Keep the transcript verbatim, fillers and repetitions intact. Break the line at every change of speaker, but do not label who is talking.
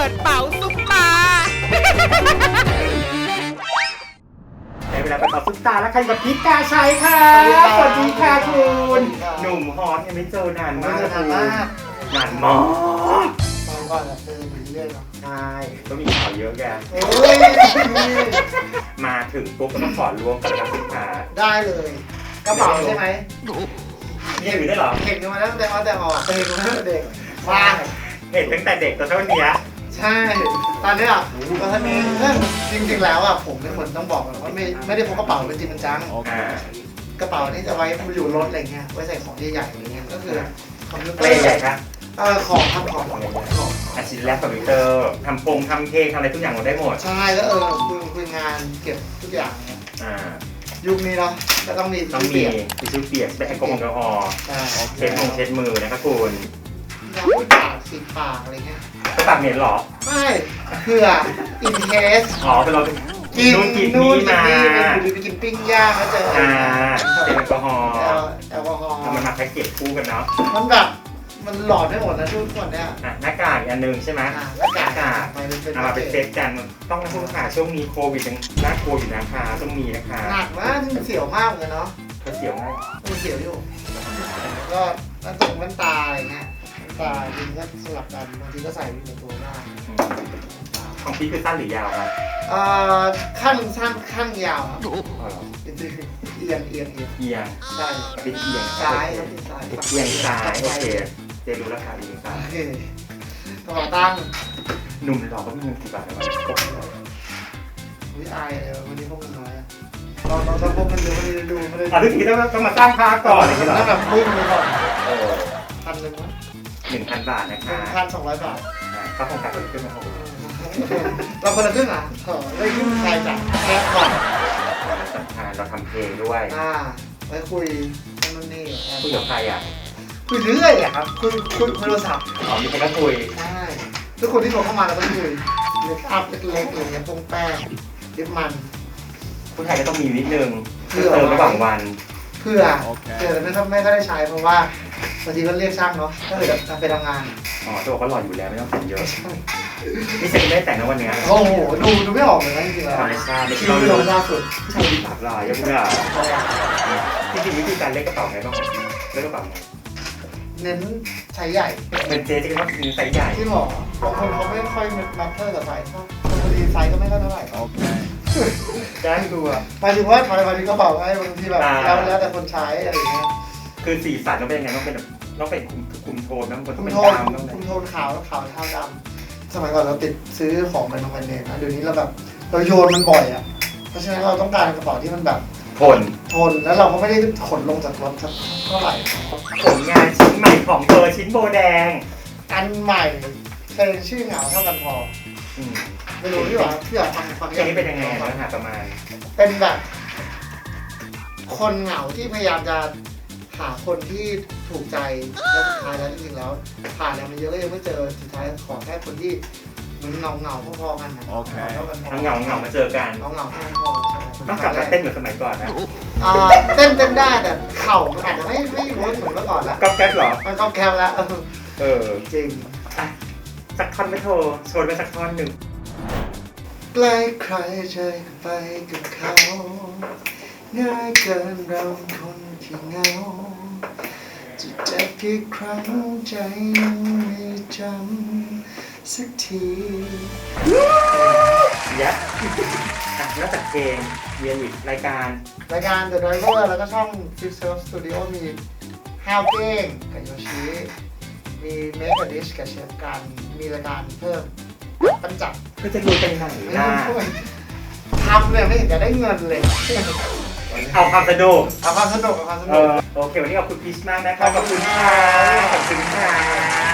ปิดเป๋าซุปตา
ในเวลาไปต่อซุปตาแล้วใครกับพิกาชัยค่ะสวัสดีค่ะคุณหนุ่มฮอตยังไม่เจอนานมากนานมากนานมาก
ตอนก่อนอะเจอเรื่อยๆเนาะ
ใช่ก็มีข่าวเยอะแกมาถึงปุ๊บก็ต้องขอรวมกับลูกค้า
ได้เลยกระเป๋าใช่ไหม
เห็นอยู่ได้หรอ
เห็นมาตั้งแต่อแต่ออกเห็นมาตั้งแต่เด็ก
ว้าเห็นตั้งแต่เด็กตัวเท่านี้
ใช่ตอนนี้อ่ะตอนนี้จริงๆแล้วอ่ะผมเป็นคนต้องบอกว่าไม่ไม่ได้พกกระเป๋าเป็นจริงเป็นจังกระเป๋านี่จะไว้อยู่รถอะไรเงี้ยไว้ใส่ของใหญ่ๆอะไรเงี้ยก็คือ
คอมพิวเตอร์ใหญ่ครับ
เออของทำของ
ของอาชีพแลปคอมพิวเตอร์ทำโปรงทำเค้กทำอะไรทุกอย่างเราได้หมด
ใช่แล้วเออคุยคุยงานเก็บทุกอย่างเนี่ยยุคนี้เนาะก็ต้องมี
ต้องมีทิชชู่เปียกเป็นแอลกอฮอล์เช็ดมือเช็ดมือนะครับคุณ
ยาปากสีปากอะไรเงี้ย
ไปปากเหม็นหรอ
ไม่เผื่ออินเทส
อ๋อเป็นเรา
กินกินนู่นกินนี่หรือไปกินปิ้งย่างแล้วเจอ
อ่าเป็นแอลกอฮอล์
แอลกอฮอล์
มันมาแพ็กเกจคู่กันเนาะ
มันแบบมันหลอดได้หมดนะทุกคนเนี่ย
หน้ากากอันนึงใช่ไหม
หน้ากาก
เอามาเป็นเซตกันต้องนะคุณค่ะช่วงนี้โควิดยังน่ากลัวอยู่นะคะต้องมีนะคะ
หนักมากเสียวมากเลยเนาะ
ก็เสียวมาก
มันเสียวอยู่ก็แว่นตรงแว่นตาอะไรเงี้ยแว่นตาจริงก็สลับกันบางทีก็ใส่เป็นตัวได้
ของพี่คือสั้นหรือยาวครับ
เอ่อขั้นสั้นขั้นยาวครับเอียงเอียงเอียง
เอียง
ใช่
เป็นเอียง
ซ้ายครับซ้าย
เอียงซ้ายโอเคเจรู้ราคาดีซ้าย
กระเป๋าตังค์
หนุ่มหล่อก็มีเงินกี่บาทนะวะ
วิอายเลยวันนี้พวกมันน้อยเราเราต้องพวกมันดูไม่ได้ดูไม่ได้
อ่ะทุกทีต้องต้องมาสร้างภาพก่อนเลย
ต้องแบบพุ่งไปก่อน
เออ
พันหนึ่งมั้ง
หนึ่งพันบาทนะคะ
หนึ่งพันสองร้อยบาท
เขาคงตัดคนขึ้นมาหก
เราคนละครึ่งอ่ะเออได้ยุ่งใครจากแค่ก่อน
สำคัญเราทำเพลงด้วย
อ่าไว้คุยนั่นนี่
คุยกับใครอ่ะ
คุยเรื่อยอ่ะครับคุยคุยโทรศัพท์
อ๋อมีใครก็คุย
ใช่ทุกคนที่โทรเข้ามาเราก็คุยเล็กอัพเล็กๆอะไรเงี้ยพงแป้งดิบมัน
ผู้ชายก็ต้องมีนิดนึงเพื่อเติมระหว่างวัน
เพื่อเพื่อไม่ไม่ก็ได้ใช้เพราะว่าบางทีก็เรียกช่างเนาะก็เลยจะไปทำงาน
อ๋อตัวเขาหล่ออยู่แล้วไม่ต้องแต่งเยอะนี่เซ็นได้แต่งในวันนี้
โอ้โหดูดูไม่ออกเลยนะจริงๆแล้ว
ธรรมชาติไม่
ใช่ธรรมชาติสุด
ใช่ที่ปากลายยังไม่ได้จริงๆวิธีการเล่นกระเป๋าไงบ้างเล่นกระเป๋าไง
เน้นใช้ใหญ่
เป็นเจ๊ที่เขาซื้อไซส์ใหญ่
ที่หรอบางคนเขาไม่ค่อยแมทเทอร์กับไซส์บางคนดีไซส์ก็ไม่ค่อยเท่าไหร่โอเค
ได้ดูอ่ะ
หมายถึงว่าหมายถึงกระเป๋าไอ้บางทีแบบแล้วแล้วแต่คนใช้อะไรอย่างเงี้ย
คือสีสันต้องเป็นยังไงต้องเป็นต้องเป็นคุมโทนต้องเป็น
คุมโทนคุมโทนขาวขาวเทาดำสมัยก่อนเราติดซื้อของเป็นแบรนด์เนมนะเดี๋ยวนี้เราแบบเราโยนมันบ่อยอ่ะเพราะฉะนั้นเราต้องการกระเป๋าที่มันแบบ
ทน
ทนแล้วเราก็ไม่ได้ขนลงจากรถเท่าไหร่
ผลงานชิ้นใหม่ของเธอชิ้นโบแดง
อันใหม่เพลงชื่อเหงาเท่ากันพอไม่รู้ที่ว่าที่อยากฟังฟัง
เพลงนี้เป็นยังไงนะฮะประมาณ
เป็นแบบคนเหงาที่พยายามจะหาคนที่ถูกใจแล้วสุดท้ายแล้วจริงๆแล้วผ่านอะไรมาเยอะก็ยังไม่เจอสุดท้ายขอแค่คนที่เหมือนเงาเงาพอๆกันนะ
โอเคทั้งเงาเงามาเจอกัน
เงาเงาพอๆ
ต้องกลับมาเต้นเหมือนสมัยก่อนนะ
เต้นเต้นได้แต่เข่ามันอาจจะไม่ไม่เวิร์กเหมือนเมื่อก่อนแล้ว
ก๊อบแก๊บหรอ
มันก๊อบแก๊บแล้ว
เออ
จริง
สักท่อนไม่โทรโชว์ไปสักท่อนหนึ่ง
ใกล้ใครใจไปกับเขาง่ายเกินเราคนที่เงาจะเจ็บกี่ครั้งใจยังไม่จำสักที
ยัดอ่ะนอกจากเพลงเวียนอีกรายการ
รายการ The Driver แล้วก็ช่อง Fifth Self Studio มีห้าวเก้งกับโยชิมี Make a Dish กับเชฟกันมีรายการเพิ่มปั้นจับ
ก็จะรู้เป็นไหนนะ
ทำเลยไม่เห็นจะได้เงินเลย
เอาความสนุก
เอาความสนุกเอาความสนุก
โอเควันนี้ขอบคุณพีชมากนะครับขอบคุณค่ะขอบคุณค่ะ